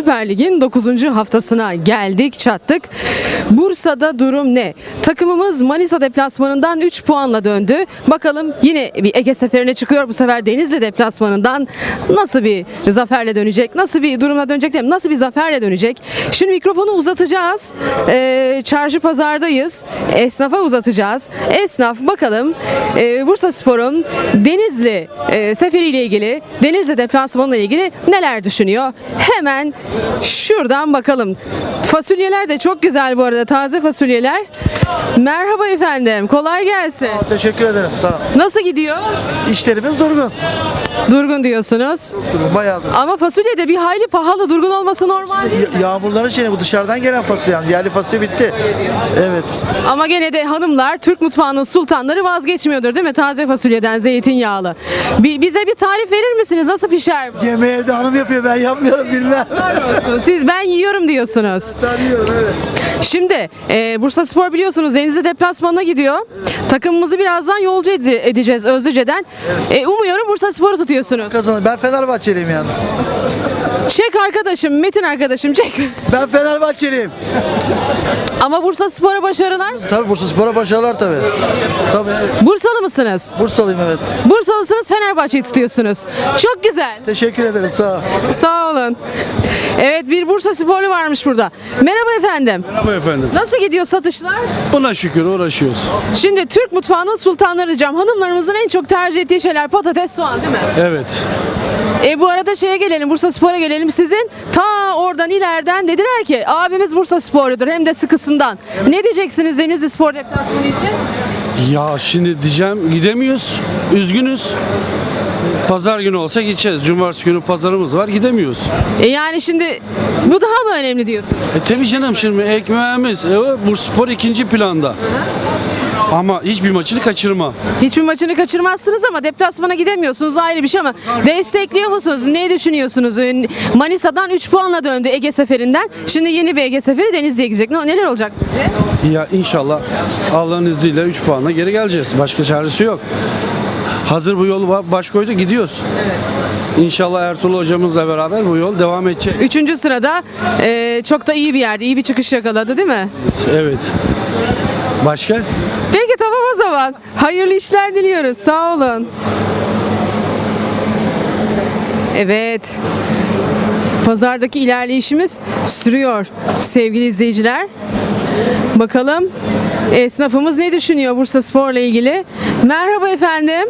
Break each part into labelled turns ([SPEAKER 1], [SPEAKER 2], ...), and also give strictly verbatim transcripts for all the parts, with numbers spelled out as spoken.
[SPEAKER 1] Süper Lig'in dokuzuncu haftasına geldik, çattık. Bursa'da durum ne? Takımımız Manisa deplasmanından üç puanla döndü. Bakalım yine bir Ege seferine çıkıyor. Bu sefer Denizli deplasmanından nasıl bir zaferle dönecek? Nasıl bir durumla dönecek? Değil mi? Nasıl bir zaferle dönecek? Şimdi mikrofonu uzatacağız. Ee, çarşı pazardayız. Esnafa uzatacağız. Esnaf bakalım e, Bursaspor'un Denizli e, seferiyle ilgili, Denizli deplasmanıyla ilgili neler düşünüyor? Hemen şuradan bakalım. Fasulyeler de çok güzel bu arada. Taze fasulyeler. Merhaba efendim. Kolay gelsin.
[SPEAKER 2] Teşekkür ederim. Sağ ol.
[SPEAKER 1] Nasıl gidiyor?
[SPEAKER 2] İşlerimiz durgun.
[SPEAKER 1] Durgun diyorsunuz.
[SPEAKER 2] Durgun bayağı durgun.
[SPEAKER 1] Ama fasulye de bir hayli pahalı. Durgun olması normal değil mi?
[SPEAKER 2] Ya- yağmurların şeyine bu dışarıdan gelen fasulye yani. Yerli fasulye bitti. Evet.
[SPEAKER 1] Ama gene de hanımlar Türk mutfağının sultanları vazgeçmiyordur değil mi? Taze fasulyeden zeytinyağlı. Bi- bize bir tarif verir misiniz? Nasıl pişer bu?
[SPEAKER 2] Yemeği de hanım yapıyor. Ben yapmıyorum bilmem.
[SPEAKER 1] Olsun. Siz ben yiyorum diyorsunuz.
[SPEAKER 2] Sanıyorum evet.
[SPEAKER 1] Şimdi e, Bursaspor biliyorsunuz Denizli deplasmanına gidiyor. Takımımızı birazdan yolcu ede- edeceğiz Özlüce'den. E, umuyorum Bursaspor'u tutuyorsunuz.
[SPEAKER 2] Kazanır. Ben Fenerbahçeliyim yani.
[SPEAKER 1] Çek arkadaşım, Metin arkadaşım çek.
[SPEAKER 2] Ben Fenerbahçeliyim.
[SPEAKER 1] Ama Bursaspor'a başarılar.
[SPEAKER 2] Tabii Bursaspor'a başarılar tabii. Tabii evet.
[SPEAKER 1] Bursalı mısınız?
[SPEAKER 2] Bursalıyım evet.
[SPEAKER 1] Bursalısınız, Fenerbahçe'yi tutuyorsunuz. Çok güzel.
[SPEAKER 2] Teşekkür ederim. Sağ ol.
[SPEAKER 1] Sağ olun. Evet, bir Bursasporlu varmış burada. Merhaba efendim.
[SPEAKER 3] Merhaba efendim.
[SPEAKER 1] Nasıl gidiyor satışlar?
[SPEAKER 3] Buna şükür uğraşıyoruz.
[SPEAKER 1] Şimdi Türk mutfağının sultanları diyeceğim. Hanımlarımızın en çok tercih ettiği şeyler patates, soğan değil mi?
[SPEAKER 3] Evet.
[SPEAKER 1] E bu arada şeye gelelim, Bursaspor'a gelelim. Sizin ta oradan ileriden dediler ki abimiz Bursasporludur hem de sıkısından. Ne diyeceksiniz Denizli Spor deplasmanı için?
[SPEAKER 3] Ya şimdi diyeceğim gidemiyoruz. Üzgünüz. Pazar günü olsa gideceğiz. Cumartesi günü pazarımız var gidemiyoruz.
[SPEAKER 1] E yani şimdi bu daha mı önemli diyorsunuz?
[SPEAKER 3] E tabii canım şimdi ekmeğimiz e, o Bursaspor ikinci planda. Ama hiçbir maçını kaçırma.
[SPEAKER 1] Hiçbir maçını kaçırmazsınız ama deplasmana gidemiyorsunuz, ayrı bir şey ama destekliyor musunuz? Ne düşünüyorsunuz? Manisa'dan üç puanla döndü Ege seferinden. Şimdi yeni bir Ege seferi Denizli'ye gidecek. Ne- Neler olacak sizce?
[SPEAKER 3] Ya inşallah Allah'ın izniyle üç puanla geri geleceğiz. Başka çaresi yok. Hazır bu yolu ba- baş koydu gidiyoruz. İnşallah Ertuğrul hocamızla beraber bu yol devam edecek.
[SPEAKER 1] Üçüncü sırada e, çok da iyi bir yerde, iyi bir çıkış yakaladı değil mi?
[SPEAKER 3] Evet. Başka?
[SPEAKER 1] Peki tamam o zaman. Hayırlı işler diliyoruz. Sağ olun. Evet. Pazardaki ilerleyişimiz sürüyor sevgili izleyiciler. Bakalım esnafımız ne düşünüyor Bursaspor'la ilgili? Merhaba efendim.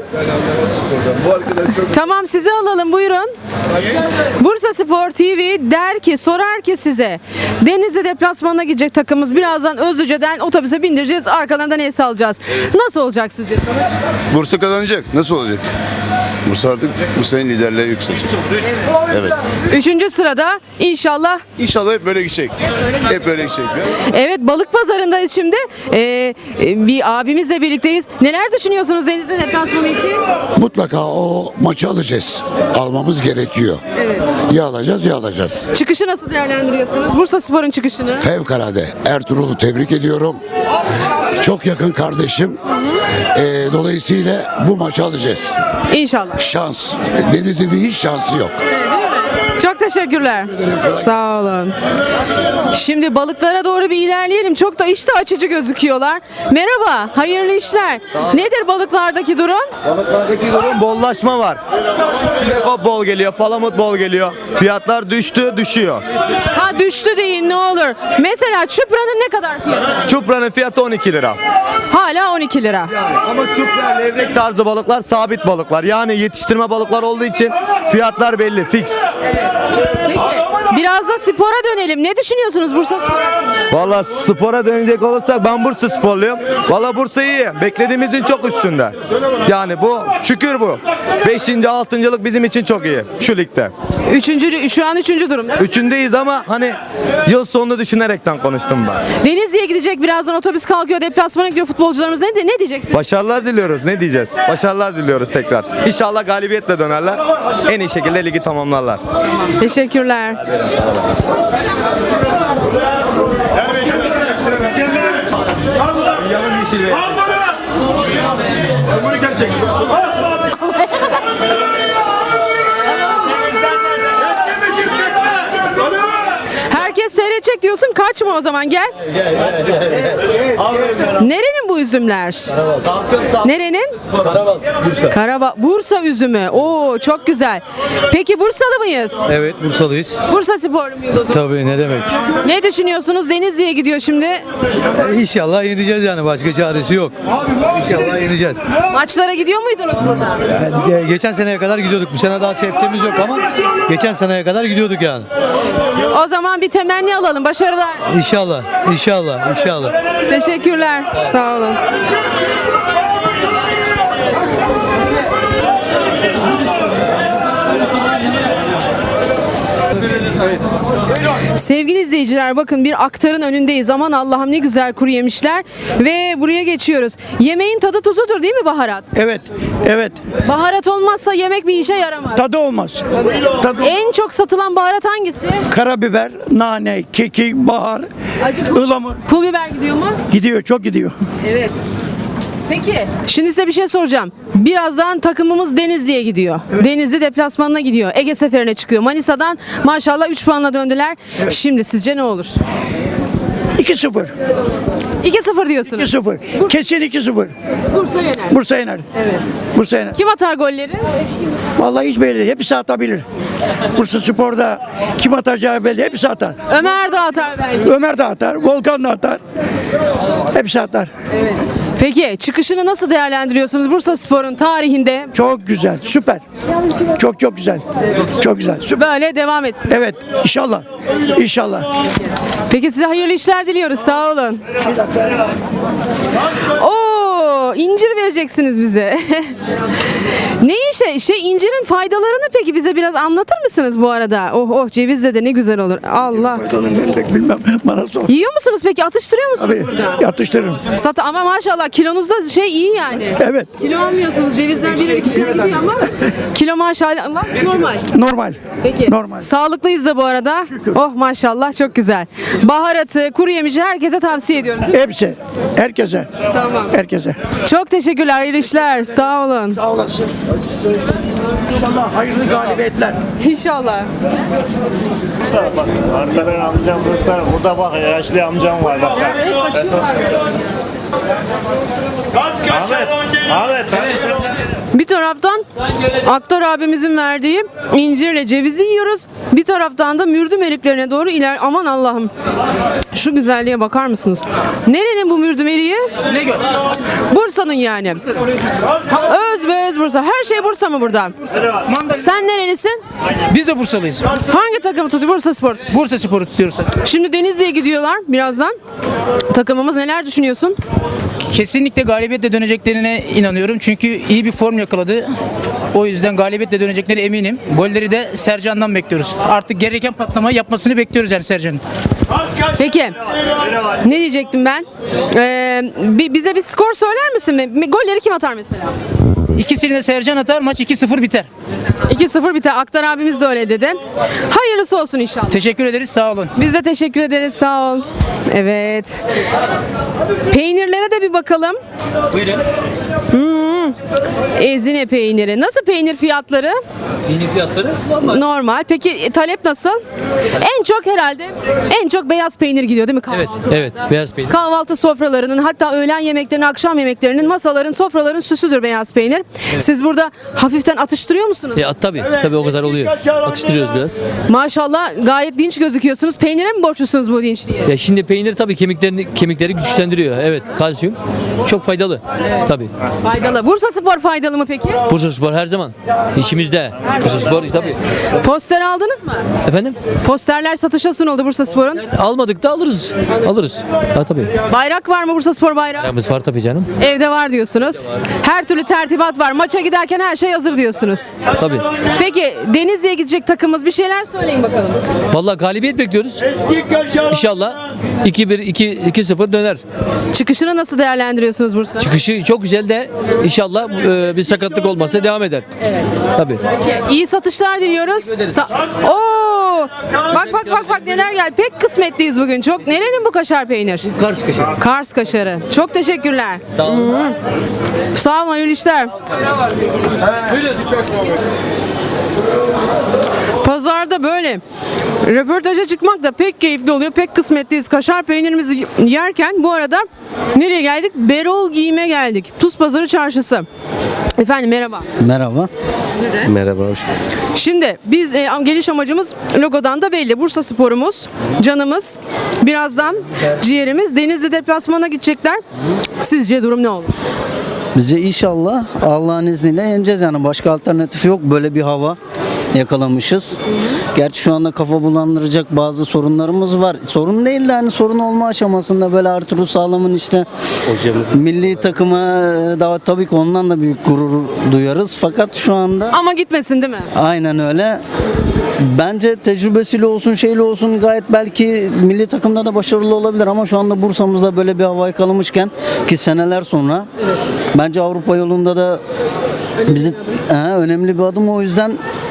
[SPEAKER 1] Tamam, sizi alalım, buyurun. Bursaspor T V der ki, sorar ki size, Denizli deplasmanına gidecek takımımız, birazdan Özlüce'den otobüse bindireceğiz, arkalarından el salacağız. Nasıl olacak sizce sonuç?
[SPEAKER 4] Bursa kazanacak. Nasıl olacak? Bursa artık bu sene liderliğe yükselecek. Evet.
[SPEAKER 1] Üçüncü sırada inşallah.
[SPEAKER 4] İnşallah hep böyle gidecek. Hep böyle gidecek.
[SPEAKER 1] Evet, balık pazarındayız şimdi. Ee, e, bir abimizle birlikteyiz. Neler düşünüyorsunuz Denizli deplasmanı için?
[SPEAKER 5] Mutlaka o maçı alacağız. Almamız gerekiyor.
[SPEAKER 1] Evet.
[SPEAKER 5] Ya alacağız ya alacağız.
[SPEAKER 1] Çıkışı nasıl değerlendiriyorsunuz? Bursaspor'un çıkışını.
[SPEAKER 5] Fevkalade. Ertuğrul'u tebrik ediyorum. Çok yakın kardeşim. Ee, dolayısıyla bu maçı alacağız.
[SPEAKER 1] İnşallah.
[SPEAKER 5] Şans. Denizli'nin hiç şansı yok.
[SPEAKER 1] Çok teşekkürler. Sağ olun. Şimdi balıklara doğru bir ilerleyelim. Çok da iştah açıcı gözüküyorlar. Merhaba, hayırlı işler. Nedir balıklardaki durum?
[SPEAKER 6] Balıklardaki durum bollaşma var. Çinekop bol geliyor, palamut bol geliyor. Fiyatlar düştü, düşüyor.
[SPEAKER 1] Ha, düştü deyin ne olur. Mesela çupranın ne kadar fiyatı?
[SPEAKER 6] Çupranın fiyatı on iki lira.
[SPEAKER 1] Hala on iki lira.
[SPEAKER 6] Ama çupra, levrek tarzı balıklar sabit balıklar. Yani yetiştirme balıklar olduğu için fiyatlar belli, fix.
[SPEAKER 1] Peki, biraz da spora dönelim. Ne düşünüyorsunuz Bursaspor hakkında?
[SPEAKER 6] Valla spora dönecek olursak ben Bursa sporluyum. Valla Bursa iyi. Beklediğimizin çok üstünde. Yani bu şükür bu. Beşinci, altıncılık bizim için çok iyi şu ligde.
[SPEAKER 1] Üçüncü, şu an üçüncü durumda.
[SPEAKER 6] Üçündeyiz ama hani yıl sonunu düşünerekten konuştum ben.
[SPEAKER 1] Denizli'ye gidecek, birazdan otobüs kalkıyor, deplasmana gidiyor futbolcularımız. Ne, ne diyeceksiniz?
[SPEAKER 6] Başarılar diliyoruz. Ne diyeceğiz? Başarılar diliyoruz tekrar. İnşallah galibiyetle dönerler. En iyi şekilde ligi tamamlarlar.
[SPEAKER 1] Teşekkürler. herkes seyredecek diyorsun. Kaçma o zaman gel. Nerenin bu üzümler? Nerenin? Bursa. Karabağ, Bursa üzümü. Oo çok güzel. Peki Bursalı mıyız?
[SPEAKER 7] Evet, Bursalıyız.
[SPEAKER 1] Bursa sporlu muyuz o zaman?
[SPEAKER 7] Tabii, ne demek.
[SPEAKER 1] Ne düşünüyorsunuz? Denizli'ye gidiyor şimdi.
[SPEAKER 7] İnşallah yeneceğiz yani, başka çaresi yok. İnşallah yeneceğiz.
[SPEAKER 1] Maçlara gidiyor muydunuz burada?
[SPEAKER 7] Yani, geçen seneye kadar gidiyorduk. Bu sene daha septemiz yok ama geçen seneye kadar gidiyorduk yani.
[SPEAKER 1] O zaman bir temenni alalım. Başarılar.
[SPEAKER 7] İnşallah, inşallah, inşallah.
[SPEAKER 1] Teşekkürler. Sağ olun. Sevgili izleyiciler, bakın bir aktarın önündeyiz. Aman Allah'ım ne güzel kuru yemişler. Ve buraya geçiyoruz. Yemeğin tadı tuzudur değil mi baharat?
[SPEAKER 8] Evet, evet.
[SPEAKER 1] Baharat olmazsa yemek bir işe yaramaz.
[SPEAKER 8] Tadı olmaz. Tadı
[SPEAKER 1] En çok satılan baharat hangisi?
[SPEAKER 8] karabiber, nane, kekik, bahar,
[SPEAKER 1] Acı pul,
[SPEAKER 8] ılamur
[SPEAKER 1] pul biber gidiyor mu?
[SPEAKER 8] gidiyor, çok gidiyor.
[SPEAKER 1] Evet. Peki, şimdi size bir şey soracağım. Birazdan takımımız Denizli'ye gidiyor. Denizli deplasmanına gidiyor. Ege seferine çıkıyor. Manisa'dan maşallah üç puanla döndüler. Şimdi sizce ne olur?
[SPEAKER 8] iki sıfır.
[SPEAKER 1] iki sıfır diyorsunuz.
[SPEAKER 8] iki sıfır. Kesin iki sıfır.
[SPEAKER 1] Bursa yener.
[SPEAKER 8] Bursa yener.
[SPEAKER 1] Evet.
[SPEAKER 8] Bursa yener.
[SPEAKER 1] Kim atar golleri?
[SPEAKER 8] Vallahi hiç belli değil. Hepsi atabilir. Bursa Spor'da kim atacağı belli. Hepsi atar.
[SPEAKER 1] Ömer de atar belki.
[SPEAKER 8] Ömer de atar. Volkan da atar. Hepsi atar.
[SPEAKER 1] Peki, çıkışını nasıl değerlendiriyorsunuz Bursa Spor'un tarihinde?
[SPEAKER 8] Çok güzel. Süper. Çok çok güzel. Çok güzel. Süper.
[SPEAKER 1] Böyle devam etsin.
[SPEAKER 8] Evet. İnşallah. İnşallah.
[SPEAKER 1] Peki size hayırlı işler diliyoruz. Sağ olun. Oo, incir vereceksiniz bize. Ne işe? Şey incirin faydalarını peki bize biraz anlatır mısınız bu arada? Oh oh, cevizle de ne güzel olur. Allah.
[SPEAKER 8] Ben pek bilmem. Bana sor.
[SPEAKER 1] Yiyor musunuz peki? Atıştırıyor musunuz
[SPEAKER 8] Abi,
[SPEAKER 1] burada?
[SPEAKER 8] yatıştırırım.
[SPEAKER 1] Sat ama maşallah kilonuzda şey iyi yani.
[SPEAKER 8] Evet.
[SPEAKER 1] Kilo almıyorsunuz. Cevizler bir iki gidiyor ama kilo maşallah normal.
[SPEAKER 8] Normal.
[SPEAKER 1] Peki.
[SPEAKER 8] Normal.
[SPEAKER 1] Sağlıklıyız da bu arada. Oh maşallah çok güzel. Baharatı, kuru yemişi herkese tavsiye ediyoruz değil mi?
[SPEAKER 8] Hepsi. Herkese.
[SPEAKER 1] Tamam.
[SPEAKER 8] Herkese.
[SPEAKER 1] Çok teşekkürler. Hayırlı işler. Sağ olun.
[SPEAKER 8] Sağ olasın. İnşallah hayırlı galibiyetler.
[SPEAKER 1] İnşallah.
[SPEAKER 9] Bak, arkadan amcam burada, burada bak yaşlı amcam var bak.
[SPEAKER 1] Evet, kaçıyorlar.
[SPEAKER 9] Ahmet, Ahmet,
[SPEAKER 1] Bir taraftan Aktar abimizin verdiği incirle cevizi yiyoruz. Bir taraftan da mürdüm eriklerine doğru iler. Aman Allah'ım. Şu güzelliğe bakar mısınız? Nerenin bu mürdüm eriği? Bursa'nın yani. Öz be öz Bursa. Her şey Bursa mı burada? Sen nerelisin?
[SPEAKER 10] Biz de Bursalıyız.
[SPEAKER 1] Hangi takımı tutuyor? Bursa Spor.
[SPEAKER 10] Bursa Spor'u tutuyoruz.
[SPEAKER 1] Şimdi Denizli'ye gidiyorlar birazdan. Takımımız neler düşünüyorsun?
[SPEAKER 10] Kesinlikle galibiyetle döneceklerine inanıyorum. Çünkü iyi bir form yakaladı. O yüzden galibiyetle dönecekleri eminim. Golleri de Sercan'dan bekliyoruz. Artık gereken patlamayı yapmasını bekliyoruz yani Sercan'ın.
[SPEAKER 1] Peki. Ne diyecektim ben? Ee, bi- bize bir skor söyler misin? Mi- Golleri kim atar mesela?
[SPEAKER 10] İkisini de Sercan atar, maç iki sıfır biter.
[SPEAKER 1] iki sıfır biter. Aktar abimiz de öyle dedi. Hayırlısı olsun inşallah.
[SPEAKER 10] Teşekkür ederiz, sağ olun.
[SPEAKER 1] Biz de teşekkür ederiz. Sağ ol. Evet. Peynirlere de bir bakalım.
[SPEAKER 10] Buyurun.
[SPEAKER 1] Ezine peyniri. Nasıl peynir fiyatları?
[SPEAKER 10] Peynir fiyatları
[SPEAKER 1] Normal. Peki e, talep nasıl? En çok herhalde en çok beyaz peynir gidiyor değil mi kahvaltı?
[SPEAKER 10] Evet, evet, beyaz peynir.
[SPEAKER 1] Kahvaltı sofralarının, hatta öğlen yemeklerinin, akşam yemeklerinin, masaların, sofraların süsüdür beyaz peynir. Siz burada hafiften atıştırıyor musunuz?
[SPEAKER 10] Ya tabii, tabii o kadar oluyor. Atıştırıyoruz biraz.
[SPEAKER 1] Maşallah gayet dinç gözüküyorsunuz. Peynire mi borçlusunuz bu dinçliğe?
[SPEAKER 10] Ya şimdi peynir tabii kemiklerini kemikleri güçlendiriyor. Evet, kalsiyum. Çok faydalı. Tabii.
[SPEAKER 1] Faydalı. Bursa Spor faydalı mı peki?
[SPEAKER 10] Bursa Spor her zaman işimizde. Bursa Spor tabii.
[SPEAKER 1] Poster aldınız mı?
[SPEAKER 10] Efendim?
[SPEAKER 1] Posterler satışa sunuldu Bursa Spor'un.
[SPEAKER 10] Almadık da alırız. Alırız. Ha tabii.
[SPEAKER 1] Bayrak var mı Bursa Spor bayrağı?
[SPEAKER 10] Paramız var tabii canım.
[SPEAKER 1] Evde var diyorsunuz. Her türlü tertibat var. Maça giderken her şey hazır diyorsunuz.
[SPEAKER 10] Tabii.
[SPEAKER 1] Peki Denizli'ye gidecek takımımız, bir şeyler söyleyin bakalım.
[SPEAKER 10] Vallahi galibiyet bekliyoruz. İnşallah iki bir iki iki sıfır döner.
[SPEAKER 1] Çıkışını nasıl değerlendiriyorsunuz Bursa?
[SPEAKER 10] Çıkışı çok güzel de inşallah e, bir sakatlık olmazsa devam eder. Evet. Tabii.
[SPEAKER 1] İyi satışlar diliyoruz. Sa- Oo! Bak bak bak bak neler geldi. Pek kısmetliyiz bugün. Çok. Nerenin bu kaşar peynir?
[SPEAKER 10] Kars kaşarı.
[SPEAKER 1] Kars kaşarı. Çok teşekkürler.
[SPEAKER 10] Sağ olun.
[SPEAKER 1] Hı. Sağ olun, hayırlı işler. Pazarda böyle röportaja çıkmak da pek keyifli oluyor. Pek kısmetliyiz. Kaşar peynirimizi yerken bu arada nereye geldik? Berol Giyim'e geldik. Tuz Pazarı Çarşısı. Efendim merhaba.
[SPEAKER 7] Merhaba.
[SPEAKER 1] Size de.
[SPEAKER 3] Merhaba, hoş
[SPEAKER 1] Şimdi biz e, geliş amacımız logodan da belli. Bursa Spor'umuz, canımız. Birazdan ciğerimiz Denizli deplasmana gidecekler. Sizce durum ne olur?
[SPEAKER 7] Bize inşallah Allah'ın izniyle yeneceğiz yani. Başka alternatif yok. Böyle bir hava yakalamışız. Gerçi şu anda kafa bulandıracak bazı sorunlarımız var. Sorun değil de hani sorun olma aşamasında böyle Ertuğrul Sağlam'ın işte milli takıma daha tabii ki ondan da büyük gurur duyarız. Fakat şu anda
[SPEAKER 1] Ama gitmesin değil mi?
[SPEAKER 7] aynen öyle. Bence tecrübesiyle olsun şeyle olsun gayet belki milli takımda da başarılı olabilir ama şu anda Bursa'mızda böyle bir hava yakalamışken ki seneler sonra bence Avrupa yolunda da bizi He, önemli bir adım o yüzden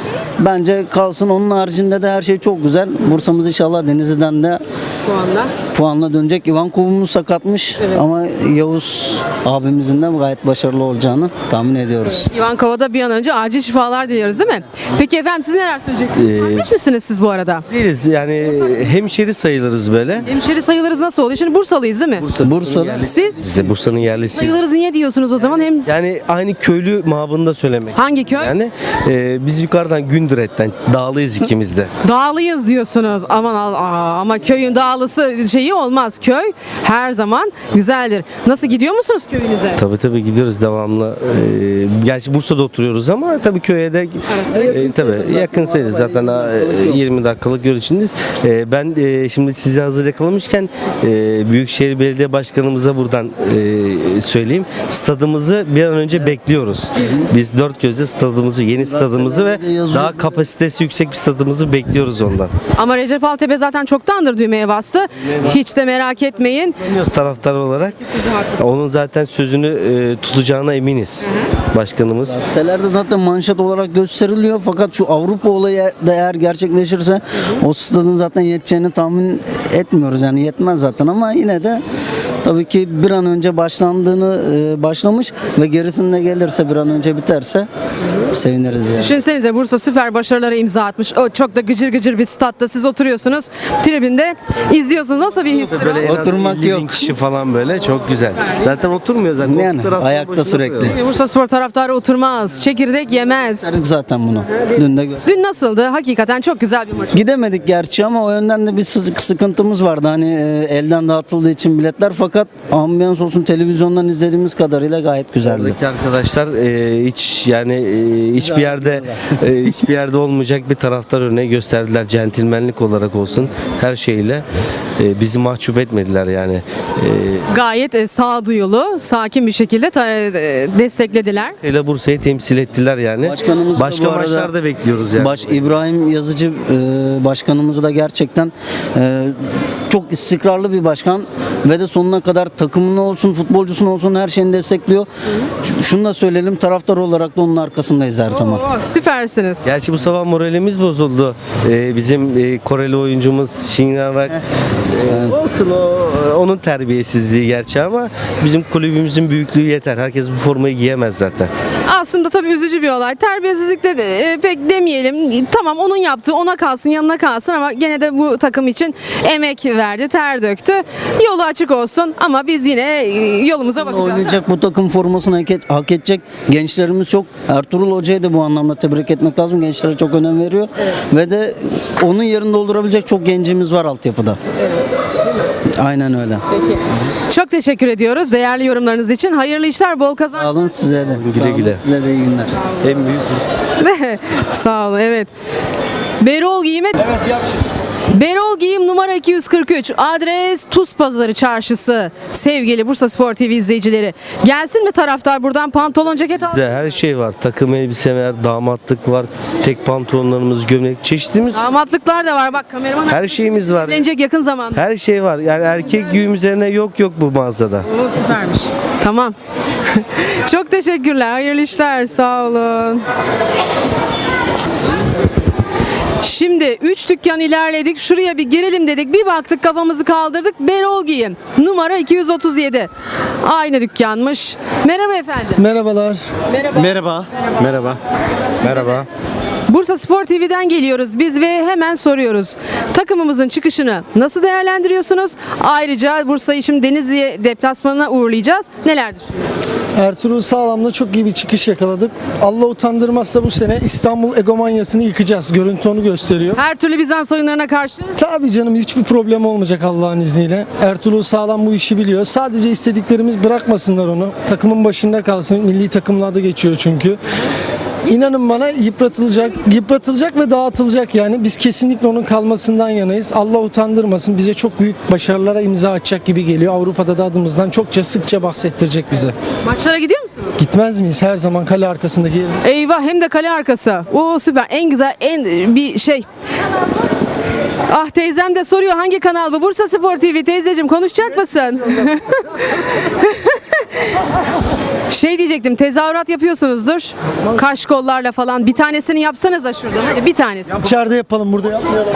[SPEAKER 7] bence kalsın. Onun haricinde de her şey çok güzel. Bursa'mız inşallah Denizli'den de
[SPEAKER 1] Şu anda.
[SPEAKER 7] puanla dönecek. İvan Kovumuz sakatmış ama Yavuz abimizin de gayet başarılı olacağını tahmin ediyoruz.
[SPEAKER 1] Ivankova'da bir an önce acil şifalar diliyoruz değil mi? Peki efendim siz neler söyleyeceksiniz? Kardeş misiniz siz bu arada?
[SPEAKER 3] Değiliz yani, hemşeri sayılırız böyle.
[SPEAKER 1] Hemşeri sayılırız nasıl oluyor? Şimdi Bursalıyız değil mi?
[SPEAKER 7] Bursa
[SPEAKER 1] Siz
[SPEAKER 3] Biz de Bursa'nın yerlisiyiz.
[SPEAKER 1] sayılırız niye diyorsunuz o zaman? Hem
[SPEAKER 3] Yani aynı köylü mabında söylemek.
[SPEAKER 1] hangi köy?
[SPEAKER 3] Yani e, biz yukarıdan Gündüret'ten dağlıyız ikimiz de.
[SPEAKER 1] Dağlıyız diyorsunuz. Aman al- aa, ama köyün dağlısı şeyi olmaz. Köy her zaman güzeldir. Nasıl gidiyor musunuz köyünüze?
[SPEAKER 3] Tabii tabii gidiyoruz devamlı. Ee, gerçi Bursa'da oturuyoruz ama tabii köye de e, tabii yakın sayılır. Zaten e, yirmi dakikalık yol içindeyiz. E, ben e, şimdi sizi hazır yakalamışken e, Büyükşehir Belediye Başkanımıza buradan e, söyleyeyim. Stadımızı bir an önce bekliyoruz. Biz dört gözle stadımızı, yeni stadımızı ve daha kapasitesi yüksek bir stadımızı bekliyoruz ondan.
[SPEAKER 1] Ama Recep Altepe zaten çoktandır düğmeye bastı. Hiç de merak etmeyin.
[SPEAKER 3] Tanıyoruz taraftar olarak. Onun zaten sözünü e, tutacağına eminiz. Başkanımız.
[SPEAKER 7] Sitelerde zaten manşet olarak gösteriliyor fakat şu Avrupa olayı da eğer gerçekleşirse o stadın zaten yeteceğini tahmin etmiyoruz yani yetmez zaten ama yine de tabii ki bir an önce başlandığını e, başlamış ve gerisinde gelirse bir an önce biterse seviniriz yani.
[SPEAKER 1] Düşünsenize Bursa süper başarılara imza atmış. O çok da gıcır gıcır bir statta siz oturuyorsunuz. Tribünde izliyorsunuz. Nasıl bir histir o?
[SPEAKER 3] Böyle en az
[SPEAKER 7] Oturmak
[SPEAKER 3] elli bin
[SPEAKER 7] yok.
[SPEAKER 3] kişi falan böyle çok güzel. Zaten oturmuyor zaten.
[SPEAKER 7] Yani
[SPEAKER 3] Koltuklar aslında
[SPEAKER 7] ayakta
[SPEAKER 3] başında
[SPEAKER 7] sürekli.
[SPEAKER 3] duruyor.
[SPEAKER 1] Değil mi? Bursa Spor taraftarı oturmaz. Çekirdek yemez.
[SPEAKER 7] Gösterdik zaten bunu. Dün de gö-
[SPEAKER 1] Dün nasıldı? Hakikaten çok güzel bir maç.
[SPEAKER 7] Gidemedik gerçi ama o yönden de bir sık- sıkıntımız vardı. Hani e, elden dağıtıldığı için biletler fakat ambiyans olsun televizyondan izlediğimiz kadarıyla gayet güzeldi.
[SPEAKER 3] Buradaki arkadaşlar e, hiç yani e, hiçbir yerde e, hiçbir yerde olmayacak bir taraftar örneği gösterdiler. Centilmenlik olarak olsun her şeyle e, bizi mahcup etmediler yani. E,
[SPEAKER 1] Gayet e, sağduyulu, sakin bir şekilde ta- e, desteklediler.
[SPEAKER 3] ile Bursa'yı temsil ettiler yani.
[SPEAKER 7] Başkanımız da
[SPEAKER 3] Başka
[SPEAKER 7] bu arada-
[SPEAKER 3] maçlar da bekliyoruz yani.
[SPEAKER 7] Baş İbrahim Yazıcı e, başkanımız da gerçekten e, çok istikrarlı bir başkan ve de sonuna kadar takımını olsun, futbolcusunu olsun her şeyini destekliyor. Ş- Şunu da söyleyelim taraftar olarak da onun arkasındayız her zaman.
[SPEAKER 1] Oo, süpersiniz.
[SPEAKER 3] Gerçi bu sabah moralimiz bozuldu. Ee, bizim e, Koreli oyuncumuz Shinran e, olsun o onun terbiyesizliği gerçi ama bizim kulübümüzün büyüklüğü yeter. Herkes bu formayı giyemez zaten.
[SPEAKER 1] Aslında tabii üzücü bir olay. Terbiyesizlikte de e, pek demeyelim. Tamam onun yaptığı ona kalsın, yanına kalsın ama gene de bu takım için emek verdi, ter döktü. Yolu açık olsun ama biz yine e, yolumuza bakacağız.
[SPEAKER 7] Oynayacak bu takım formasını hak, et- hak edecek gençlerimiz çok. Ertuğrul Hoca'yı da bu anlamda tebrik etmek lazım. Gençlere çok önem veriyor. Ve de onun yerini doldurabilecek çok gencimiz var altyapıda. Aynen öyle.
[SPEAKER 1] Peki. Çok teşekkür ediyoruz değerli yorumlarınız için. Hayırlı işler, bol
[SPEAKER 7] Sağ
[SPEAKER 1] kazançlar.
[SPEAKER 7] olun size de. Sağ olun,
[SPEAKER 3] güle.
[SPEAKER 7] size de iyi günler.
[SPEAKER 3] En büyük Bursa.
[SPEAKER 1] Sağ olun, evet. Berol Giyim'e... Berol Giyim numara iki yüz kırk üç. Adres Tuz Pazarı Çarşısı. Sevgili Bursa Spor T V izleyicileri. Gelsin mi taraftar buradan pantolon ceket al?
[SPEAKER 3] Bizde her şey var. Takım elbise var, damatlık var, tek pantolonlarımız, gömlek, çeşitimiz.
[SPEAKER 1] Damatlıklar da var bak kameraman.
[SPEAKER 3] Her şeyimiz var.
[SPEAKER 1] Evlenecek yakın zamanda.
[SPEAKER 3] Her şey var. Yani erkek güğüm üzerine yok yok bu mağazada.
[SPEAKER 1] Oo, süpermiş. Tamam. Çok teşekkürler. Hayırlı işler. Sağ olun. Şimdi üç dükkan ilerledik. Şuraya bir girelim dedik. Bir baktık kafamızı kaldırdık. Berol Giyim. Numara iki yüz otuz yedi. Aynı dükkanmış. Merhaba efendim.
[SPEAKER 6] Merhabalar.
[SPEAKER 1] Merhaba.
[SPEAKER 6] Merhaba. Merhaba. Merhaba.
[SPEAKER 1] Bursa Spor T V'den geliyoruz biz ve hemen soruyoruz. Takımımızın çıkışını nasıl değerlendiriyorsunuz? Ayrıca Bursa'yı şimdi Denizli deplasmanına uğurlayacağız. Neler düşünüyorsunuz?
[SPEAKER 11] Ertuğrul Sağlam'la çok iyi bir çıkış yakaladık. Allah utandırmazsa bu sene İstanbul egomanyasını yıkacağız. Görüntü onu gösteriyor.
[SPEAKER 1] Her türlü Bizans oyunlarına karşı
[SPEAKER 11] Tabii canım, hiçbir problem olmayacak Allah'ın izniyle. Ertuğrul Sağlam bu işi biliyor. Sadece istediklerimiz, bırakmasınlar onu. Takımın başında kalsın. Milli takımlarda geçiyor çünkü. İnanın bana yıpratılacak, yıpratılacak ve dağıtılacak yani. Biz kesinlikle onun kalmasından yanayız. Allah utandırmasın. Bize çok büyük başarılara imza atacak gibi geliyor. Avrupa'da da adımızdan çokça sıkça bahsettirecek bize.
[SPEAKER 1] maçlara gidiyor musunuz?
[SPEAKER 11] Gitmez miyiz? Her zaman kale arkasındaki yerimiz.
[SPEAKER 1] Eyvah, hem de kale arkası. Oo süper. En güzel, en bir şey. Ah, teyzem de soruyor hangi kanal bu? Bursa Spor T V. Teyzeciğim konuşacak mısın? Şey diyecektim, tezahürat yapıyorsunuzdur. Kaş kollarla falan. Bir tanesini yapsanıza şurada. Hadi bir tanesi.
[SPEAKER 11] İçeride yapalım, burada yapmayalım.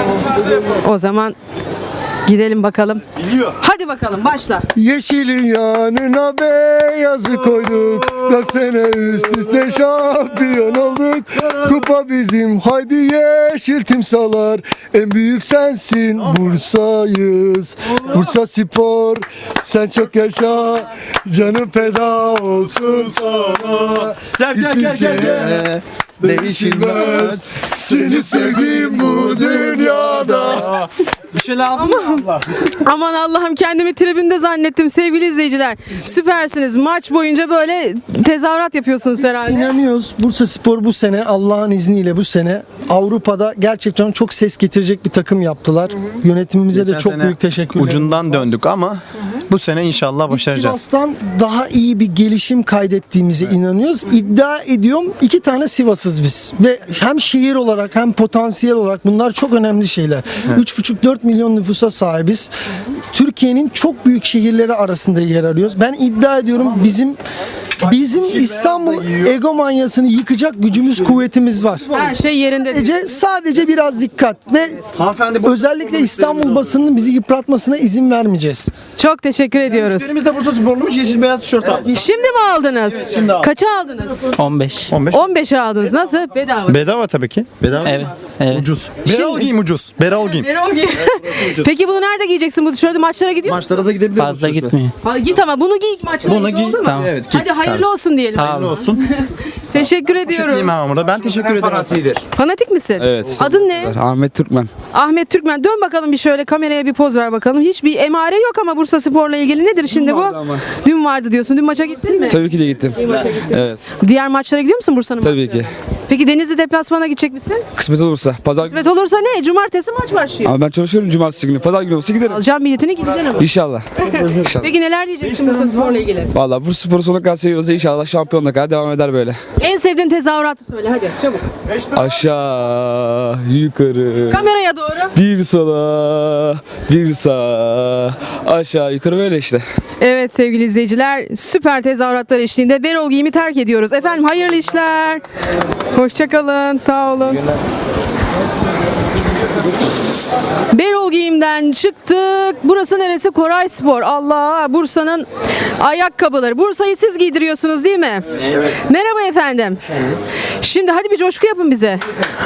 [SPEAKER 1] O zaman gidelim bakalım. Hadi bakalım, başla.
[SPEAKER 11] Yeşilin yanına beyazı koyduk. Dört sene üst üste şampiyon olduk. Kupa bizim, haydi yeşil timsalar. En büyük sensin, Bursa'yız. Bursa Spor, sen çok yaşa. Canım feda olsun sana.
[SPEAKER 2] Gel gel
[SPEAKER 11] Hiçbir
[SPEAKER 2] gel gel. gel.
[SPEAKER 11] şeye değişilmez. Seni sevdiğim bu dünyada.
[SPEAKER 2] Bir şey lazım mı abla?
[SPEAKER 1] Aman Allah'ım, kendimi tribünde zannettim sevgili izleyiciler. Süpersiniz. Maç boyunca böyle tezahürat yapıyorsunuz herhalde.
[SPEAKER 11] İnanıyoruz. Bursa Spor bu sene, Allah'ın izniyle bu sene Avrupa'da gerçekten çok ses getirecek bir takım yaptılar. Yönetimimize de
[SPEAKER 12] Geçen
[SPEAKER 11] çok
[SPEAKER 12] sene
[SPEAKER 11] büyük teşekkürler.
[SPEAKER 12] Ucundan döndük ama bu sene inşallah
[SPEAKER 11] Biz
[SPEAKER 12] başaracağız.
[SPEAKER 11] Sivas'tan daha iyi bir gelişim kaydettiğimize inanıyoruz. İddia ediyorum, iki tane Sivas'ız biz. Ve hem şehir olarak hem potansiyel olarak bunlar çok önemli şeyler. üç buçuk dört milyon nüfusa sahibiz. Türkiye'nin çok büyük şehirleri arasında yer arıyoruz. Ben iddia ediyorum bizim bizim İstanbul egomanyasını yıkacak gücümüz, kuvvetimiz var.
[SPEAKER 1] Her şey yerinde.
[SPEAKER 11] Sadece, sadece biraz dikkat ve özellikle İstanbul basınının bizi yıpratmasına izin vermeyeceğiz.
[SPEAKER 1] Çok teşekkür ediyoruz.
[SPEAKER 2] Müşterimiz de Bursa Sporluymuş, yeşil beyaz tişört aldı.
[SPEAKER 1] Şimdi mi aldınız?
[SPEAKER 2] şimdi aldım.
[SPEAKER 1] Kaça aldınız?
[SPEAKER 7] on beş.
[SPEAKER 1] on beşe aldınız. Nasıl? Bedava.
[SPEAKER 12] Bedava tabii ki.
[SPEAKER 2] Bedava
[SPEAKER 7] Evet. Evet.
[SPEAKER 2] ucuz.
[SPEAKER 12] Beral giyim ucuz. Beral giyim.
[SPEAKER 1] Erol giy. Peki bunu nerede giyeceksin bu tişörtü? Maçlara gidiyor musun?
[SPEAKER 2] Maçlara da gidebilir
[SPEAKER 7] Fazla
[SPEAKER 2] bu tişörtle.
[SPEAKER 7] gitmiyor.
[SPEAKER 1] Ha, git ama bunu giy maçlara
[SPEAKER 2] Bunu
[SPEAKER 1] git,
[SPEAKER 2] giy.
[SPEAKER 1] oldu mu?
[SPEAKER 7] Tamam.
[SPEAKER 2] Evet, git.
[SPEAKER 1] Hadi hayırlı olsun diyelim.
[SPEAKER 7] Sağ olun.
[SPEAKER 2] Olsun.
[SPEAKER 1] Teşekkür ediyoruz.
[SPEAKER 12] Giyim ama burada. Ben teşekkür ederim.
[SPEAKER 2] Fanatiğidir.
[SPEAKER 1] Fanatik misin?
[SPEAKER 13] Evet.
[SPEAKER 1] Adın ne?
[SPEAKER 13] Ahmet Türkmen.
[SPEAKER 1] Ahmet Türkmen. Dön bakalım bir şöyle kameraya bir poz ver bakalım. Hiçbir emare yok ama Bursa Spor'la ilgili nedir şimdi bu?
[SPEAKER 13] vardı ama.
[SPEAKER 1] Dün vardı diyorsun. Dün maça gittin mi?
[SPEAKER 13] Tabii ki de gittim. Evet.
[SPEAKER 1] Diğer maçlara gidiyor musun Bursa'nın
[SPEAKER 13] Tabii
[SPEAKER 1] maçlarına?
[SPEAKER 13] ki.
[SPEAKER 1] Peki Denizli deplasmana gidecek misin?
[SPEAKER 13] Kısmet olursa. Pazar günü.
[SPEAKER 1] Kısmet olursa ne? Cumartesi maç başlıyor.
[SPEAKER 13] Ama ben çalışıyorum cumartesi günü. Pazar günü olsa giderim.
[SPEAKER 1] Alacağım biletini, gideceksin ama.
[SPEAKER 13] İnşallah. İnşallah.
[SPEAKER 1] Peki neler diyeceksin Bursa Spor'la ilgili?
[SPEAKER 13] Vallahi bu sporu sonuna kadar seviyorsa inşallah şampiyonluğa kadar devam eder böyle.
[SPEAKER 1] En sevdiğin tezahüratı söyle hadi çabuk.
[SPEAKER 13] Aşağı, yukarı,
[SPEAKER 1] Kameraya doğru.
[SPEAKER 13] bir sola, bir sağa, aşağı, yukarı böyle işte.
[SPEAKER 1] Evet sevgili izleyiciler, süper tezahüratlar eşliğinde Berol Giyim'i terk ediyoruz. Efendim hayırlı işler. Hoşçakalın, sağ olun. Berol Giyim'den çıktık. Burası neresi? Koray Spor. Allah, Bursa'nın ayakkabıları. Bursa'yı siz giydiriyorsunuz değil mi? Evet. Merhaba efendim. Şimdi hadi bir coşku yapın bize.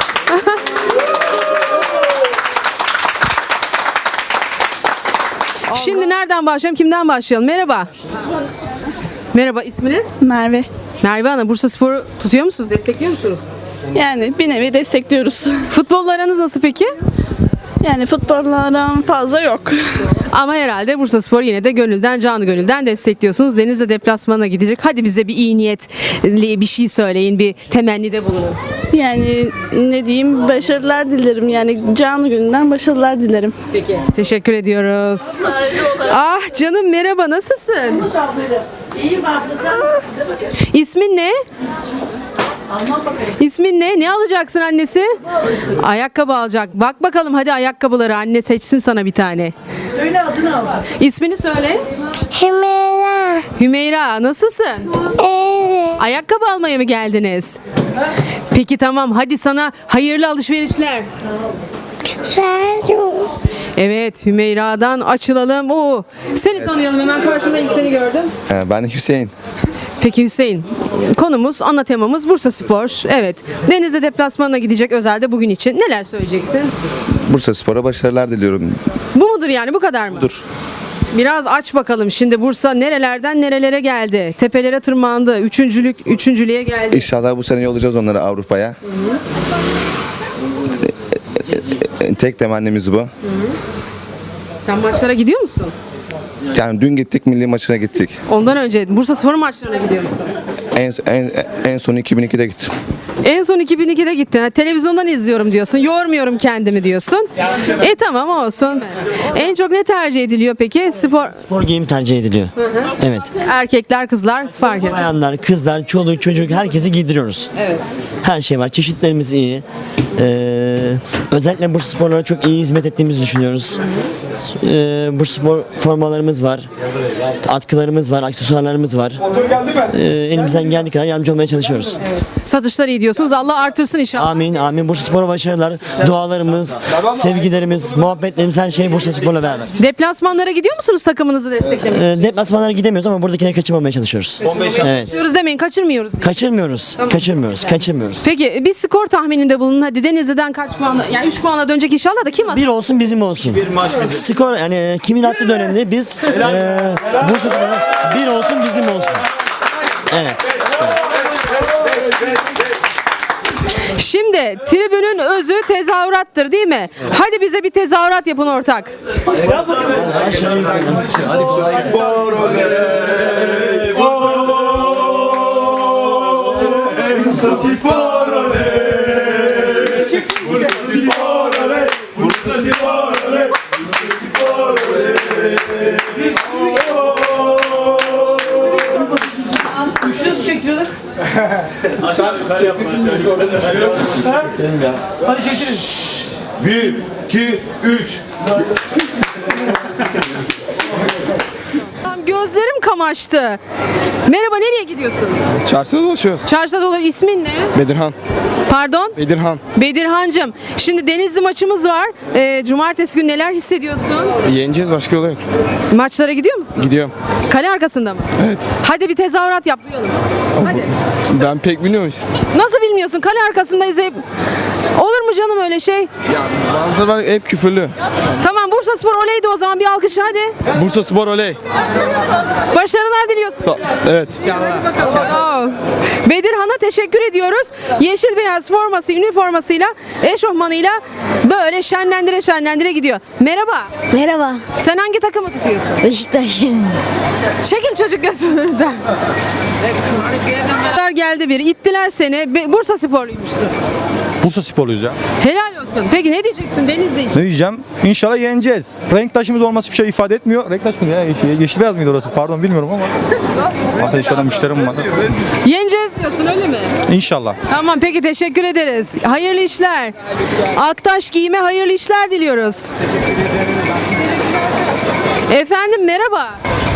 [SPEAKER 1] Şimdi nereden başlayalım? Kimden başlayalım? Merhaba. Merhaba, isminiz?
[SPEAKER 14] Merve.
[SPEAKER 1] Merve Hanım, Bursa Spor'u tutuyor musunuz? Destekliyor musunuz?
[SPEAKER 14] Yani bir nevi destekliyoruz.
[SPEAKER 1] Futbolla aranız nasıl peki?
[SPEAKER 14] Yani futbollardan fazla yok.
[SPEAKER 1] Ama herhalde Bursa Spor yine de gönülden, canı gönülden destekliyorsunuz. Denizli deplasmana gidecek. Hadi bize bir iyi niyetli bir şey söyleyin, bir temennide bulunun.
[SPEAKER 14] Yani ne diyeyim, başarılar dilerim. Yani canı gününden başarılar dilerim.
[SPEAKER 1] Peki. Teşekkür ediyoruz. Ah canım merhaba, nasılsın?
[SPEAKER 14] İyiyim abla, sen nasılsın?
[SPEAKER 1] İsmin ne? İsmin ne? Ne alacaksın annesi? Ayakkabı alacak. Bak bakalım hadi ayakkabıları anne seçsin sana bir tane.
[SPEAKER 14] Söyle, adını alacağız.
[SPEAKER 1] İsmini söyle.
[SPEAKER 14] Hümeyra.
[SPEAKER 1] Hümeyra, nasılsın?
[SPEAKER 14] Evet.
[SPEAKER 1] Ayakkabı almaya mı geldiniz? Peki tamam, hadi sana hayırlı alışverişler.
[SPEAKER 14] Sağ ol.
[SPEAKER 1] Evet, Hümeyra'dan açılalım. Oo, seni tanıyalım hemen, karşımda ilk seni gördüm.
[SPEAKER 13] Ben Hüseyin.
[SPEAKER 1] Peki Hüseyin, konumuz, ana temamız Bursa Spor. Evet, Denizli deplasmanına gidecek özelde bugün için. Neler söyleyeceksin?
[SPEAKER 13] Bursa Spor'a başarılar diliyorum.
[SPEAKER 1] Bu mudur yani, bu kadar mı?
[SPEAKER 13] Dur.
[SPEAKER 1] Biraz aç bakalım. Şimdi Bursa nerelerden nerelere geldi? Tepelere tırmandı. Üçüncülük, üçüncülüğe geldi.
[SPEAKER 13] İnşallah bu sene yollayacağız onları Avrupa'ya. Tek temennimiz bu.
[SPEAKER 1] Sen maçlara gidiyor musun?
[SPEAKER 13] Yani dün gittik, milli maçına gittik.
[SPEAKER 1] Ondan önce Bursa Spor maçlarına gidiyor musun?
[SPEAKER 13] En, en, en son iki bin ikide gittim.
[SPEAKER 1] En son iki bin ikide gittin. Ha, televizyondan izliyorum diyorsun. Yormuyorum kendimi diyorsun. E tamam, olsun. En çok ne tercih ediliyor peki? Spor
[SPEAKER 15] Spor giyim tercih ediliyor. Evet.
[SPEAKER 1] erkekler, kızlar fark etmez.
[SPEAKER 15] Bayanlar, kızlar, çoluk, çocuk herkesi giydiriyoruz.
[SPEAKER 1] Evet.
[SPEAKER 15] Her şey var. Çeşitlerimiz iyi. Ee, özellikle Bursa Sporlara çok iyi hizmet ettiğimizi düşünüyoruz. Ee, Bursa Spor formalarımız var. Atkılarımız var, aksesuarlarımız var. Ee, elimizden geldiği kadar yardımcı olmaya çalışıyoruz.
[SPEAKER 1] Satışlar iyi diyorsunuz. Allah artırsın inşallah.
[SPEAKER 15] Amin, amin. Bursa Spor'a başarılar. Dualarımız, sevgilerimiz, muhabbetlerimiz her şey Bursa Spor'la beraber.
[SPEAKER 1] Deplasmanlara gidiyor musunuz takımınızı desteklemeye?
[SPEAKER 15] Ee, deplasmanlara gidemiyoruz ama buradakileri kaçırmamaya çalışıyoruz. Evet.
[SPEAKER 1] Diyoruz demeyin, kaçırmıyoruz.
[SPEAKER 15] Kaçırmıyoruz. Kaçırmıyoruz. Kaçırmıyoruz.
[SPEAKER 1] Peki bir skor tahmininde bulunun. Hadi Denizli'den kaç puanla? Yani üç puanla dönecek inşallah da kim atar?
[SPEAKER 15] Bir olsun bizim olsun. Skor yani kimin attığı da önemli. Biz e, Bursa Spor'a bir olsun bizim olsun. Evet.
[SPEAKER 1] Şimdi tribünün özü tezahürattır değil mi? Hadi bize bir tezahürat yapın ortak.
[SPEAKER 4] Bir, iki, üç.
[SPEAKER 1] Gözlerim kamaştı. Merhaba, nereye gidiyorsun?
[SPEAKER 12] Çarşıda dolaşıyoruz.
[SPEAKER 1] Çarşıda dolar, ismin ne?
[SPEAKER 12] Bedirhan.
[SPEAKER 1] Pardon?
[SPEAKER 12] Bedirhan.
[SPEAKER 1] Bedirhancığım. Şimdi Denizli maçımız var. Ee, cumartesi günü neler hissediyorsun?
[SPEAKER 12] Yeneceğiz, başka yolu yok.
[SPEAKER 1] Maçlara gidiyor musun?
[SPEAKER 12] Gidiyorum.
[SPEAKER 1] Kale arkasında mı?
[SPEAKER 12] Evet.
[SPEAKER 1] Hadi bir tezahürat yap, duyalım. Hadi.
[SPEAKER 12] Ben pek bilmiyorum işte.
[SPEAKER 1] Nasıl bilmiyorsun? Kale arkasında izleyip... Olur mu canım öyle şey?
[SPEAKER 12] Ya bazıları var hep küfürlü.
[SPEAKER 1] Tamam, Bursa Spor oleydi o zaman, bir alkış hadi.
[SPEAKER 12] Bursa Spor oley.
[SPEAKER 1] Başarılar diliyorsun.
[SPEAKER 12] Sa- evet.
[SPEAKER 1] Sağ ol. Bedirhan'a teşekkür ediyoruz. Yeşil beyaz forması, üniformasıyla, eşofmanıyla böyle şenlendire şenlendire gidiyor. Merhaba.
[SPEAKER 14] Merhaba.
[SPEAKER 1] Sen hangi takımı tutuyorsun?
[SPEAKER 14] Beşiktaş.
[SPEAKER 1] Çekil çocuk gözümüzden. Geldi bir. İttiler seni. Be- Bursa Sporluymuşsun.
[SPEAKER 12] Bursa Sporluyuz ya.
[SPEAKER 1] Helal olsun. Peki ne diyeceksin Denizli için?
[SPEAKER 12] Ne diyeceğim? İnşallah yeneceğiz. Renk taşımız olması bir şey ifade etmiyor. Renk taş mı ya? Yeşil beyaz mıydı orası? Pardon, bilmiyorum ama. Hatta inşallah müşterim var.
[SPEAKER 1] Yeneceğiz diyorsun, öyle mi?
[SPEAKER 12] İnşallah.
[SPEAKER 1] Tamam, peki teşekkür ederiz. Hayırlı işler. Aktaş Giyim'e hayırlı işler diliyoruz. Efendim merhaba.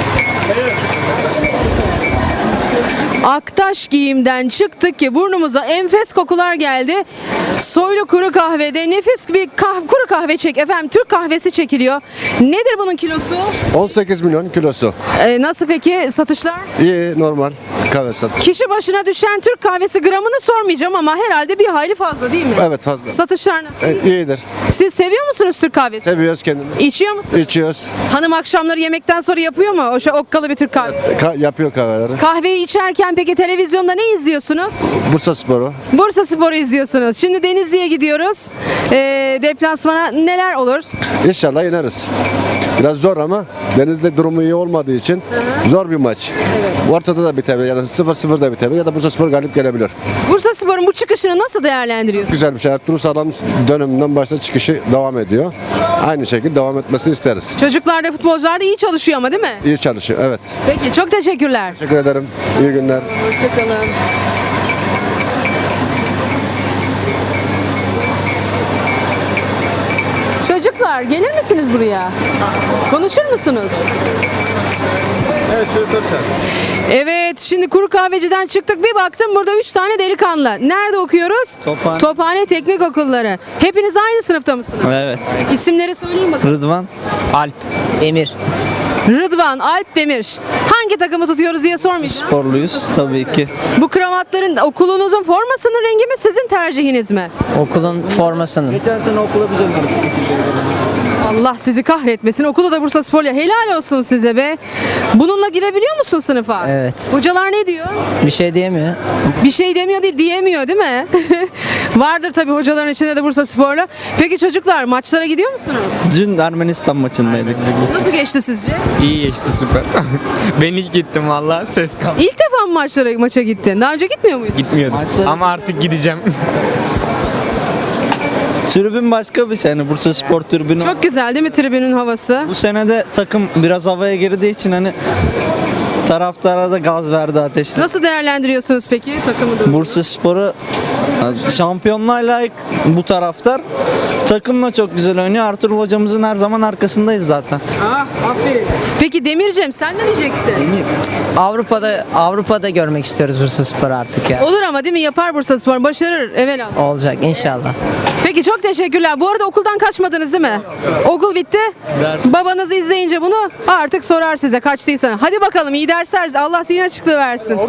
[SPEAKER 1] Aktaş Giyim'den çıktık ki burnumuza enfes kokular geldi. Soylu kuru kahvede nefis bir kah- kuru kahve çek. Efendim Türk kahvesi çekiliyor. Nedir bunun kilosu?
[SPEAKER 5] on sekiz milyon kilosu.
[SPEAKER 1] Ee, nasıl peki satışlar?
[SPEAKER 5] İyi, normal kahve satış.
[SPEAKER 1] Kişi başına düşen Türk kahvesi gramını sormayacağım ama herhalde bir hayli fazla değil mi?
[SPEAKER 5] Evet, fazla.
[SPEAKER 1] Satışlar nasıl?
[SPEAKER 5] E, iyidir.
[SPEAKER 1] Siz seviyor musunuz Türk kahvesi?
[SPEAKER 5] Seviyoruz kendimizi.
[SPEAKER 1] İçiyor musunuz?
[SPEAKER 5] İçiyoruz.
[SPEAKER 1] Hanım akşamları yemekten sonra yapıyor mu o şey okkalı bir Türk kahvesi?
[SPEAKER 5] Ka- yapıyor kahveleri.
[SPEAKER 1] Kahveyi içerken peki televizyonda ne izliyorsunuz?
[SPEAKER 5] Bursa Sporu.
[SPEAKER 1] Bursa Spor'u izliyorsunuz. Şimdi Denizli'ye gidiyoruz. Ee, deplasmana neler olur?
[SPEAKER 5] İnşallah yeneriz. Biraz zor ama Denizli durumu iyi olmadığı için zor bir maç. Ortada da bitebilir. Yani sıfır sıfır da bitebilir ya da Bursa Spor galip gelebilir.
[SPEAKER 1] Bursa Spor'un bu çıkışını nasıl değerlendiriyorsunuz?
[SPEAKER 5] Güzel bir şey. Ertuğrul Sağlam döneminden başta çıkışı devam ediyor. Aynı şekilde devam etmesini isteriz.
[SPEAKER 1] Çocuklar da futbolcular da iyi çalışıyor ama değil mi?
[SPEAKER 5] İyi çalışıyor. Evet.
[SPEAKER 1] Peki çok teşekkürler.
[SPEAKER 5] Teşekkür ederim. İyi günler.
[SPEAKER 1] Hoşçakalın. Çocuklar gelir misiniz buraya? Konuşur musunuz?
[SPEAKER 12] Evet, çocuklar çağır.
[SPEAKER 1] Evet, şimdi kuru kahveciden çıktık, bir baktım burada üç tane delikanlı. Nerede okuyoruz?
[SPEAKER 12] Tophane.
[SPEAKER 1] Tophane Teknik Okulları. Hepiniz aynı sınıfta mısınız?
[SPEAKER 12] Evet.
[SPEAKER 1] İsimleri söyleyin bakalım.
[SPEAKER 12] Rıdvan. Alp.
[SPEAKER 10] Emir.
[SPEAKER 1] Rıdvan, Alp Demir. Hangi takımı tutuyoruz diye sormayacağım.
[SPEAKER 7] Sporluyuz tabii ki.
[SPEAKER 1] Bu kravatların okulunuzun formasının rengi mi sizin tercihiniz mi?
[SPEAKER 7] Okulun formasının. Geçen sene okula biz
[SPEAKER 1] Allah sizi kahretmesin. Okulu da Bursaspor'la helal olsun size be. Bununla girebiliyor musun sınıfa?
[SPEAKER 7] Evet.
[SPEAKER 1] Hocalar ne diyor?
[SPEAKER 7] Bir şey diyemiyor.
[SPEAKER 1] Bir şey demiyor değil, diyemiyor değil mi? Vardır tabii hocaların içinde de Bursaspor'la. Peki çocuklar maçlara gidiyor musunuz?
[SPEAKER 7] Dün Ermenistan maçındaydık.
[SPEAKER 1] Nasıl geçti sizce?
[SPEAKER 12] İyi geçti süper. Ben ilk gittim valla ses kaldı.
[SPEAKER 1] İlk defa mı maçlara maça gittin? Daha önce gitmiyor muydun?
[SPEAKER 12] Gitmiyordum ama artık gideceğim.
[SPEAKER 7] Tribün başka bir sene. Bursa Spor tribünü.
[SPEAKER 1] Çok güzel değil mi tribünün havası?
[SPEAKER 7] Bu sene de takım biraz havaya girdiği için hani taraftara da gaz verdi, ateşli.
[SPEAKER 1] Nasıl değerlendiriyorsunuz peki takımı da?
[SPEAKER 7] Bursa Spor'u şampiyonluğa layık bu taraftar. Takımla çok güzel oynuyor. Ertuğrul hocamızın her zaman arkasındayız zaten.
[SPEAKER 1] Ah, aferin. Peki Demircem sen ne diyeceksin?
[SPEAKER 7] Avrupa'da Avrupa'da görmek istiyoruz Bursa Spor'u artık ya.
[SPEAKER 1] Olur ama değil mi? Yapar Bursaspor. Başarır. Evelallah.
[SPEAKER 7] Olacak inşallah.
[SPEAKER 1] Peki çok teşekkürler. Bu arada okuldan kaçmadınız değil mi? Okul bitti. Babanız izleyince bunu artık sorar size kaçtıysa. Hadi bakalım iyi dersler. Allah zihin açıklığı versin.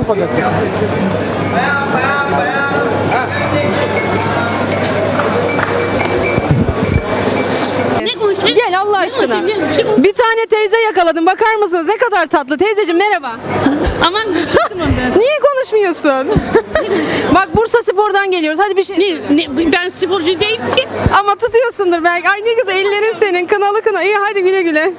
[SPEAKER 1] Gel Allah aşkına. Bir tane teyze yakaladım. Bakar mısınız? Ne kadar tatlı. Teyzeciğim merhaba.
[SPEAKER 14] Aman
[SPEAKER 1] Niye konuşmuyorsun? Bak Bursa Spor'dan geliyoruz. Hadi bir şey.
[SPEAKER 14] ne, ne, ben sporcu değilim ki.
[SPEAKER 1] Ama tutuyorsundur belki. Ay ne güzel ellerin senin. Kınalı kına. İyi hadi güle güle.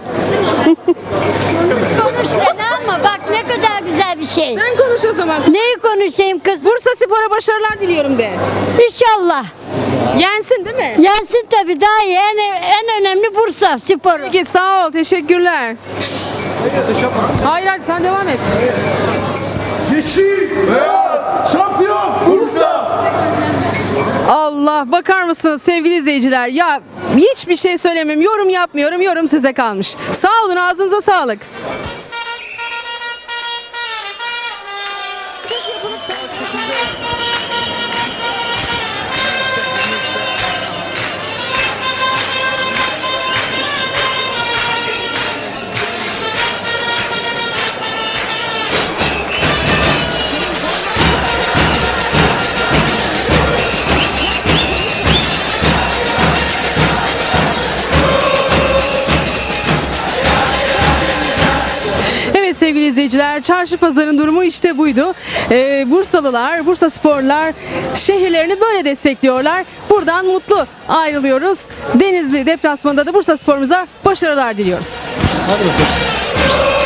[SPEAKER 14] Ama bak ne kadar güzel bir şey.
[SPEAKER 1] Sen konuş o zaman.
[SPEAKER 14] Neyi konuşayım kız?
[SPEAKER 1] Bursa Spor'a başarılar diliyorum de.
[SPEAKER 14] İnşallah.
[SPEAKER 1] Yensin değil mi?
[SPEAKER 14] Yensin tabii daha iyi. En, en önemli Bursa Sporu.
[SPEAKER 1] Peki sağ ol. Teşekkürler. Hayır hayır sen devam et.
[SPEAKER 4] Yeşil, beyaz, şampiyon Bursa.
[SPEAKER 1] Allah bakar mısınız sevgili izleyiciler? Ya hiçbir şey söylemem. Yorum yapmıyorum. Yorum size kalmış. Sağ olun ağzınıza sağlık. Evet sevgili izleyiciler, çarşı pazarın durumu işte buydu. Ee, Bursalılar, Bursa Sporlar şehirlerini böyle destekliyorlar. Buradan mutlu ayrılıyoruz. Denizli deplasmanında da Bursa Spor'umuza başarılar diliyoruz.
[SPEAKER 7] Hadi bakalım.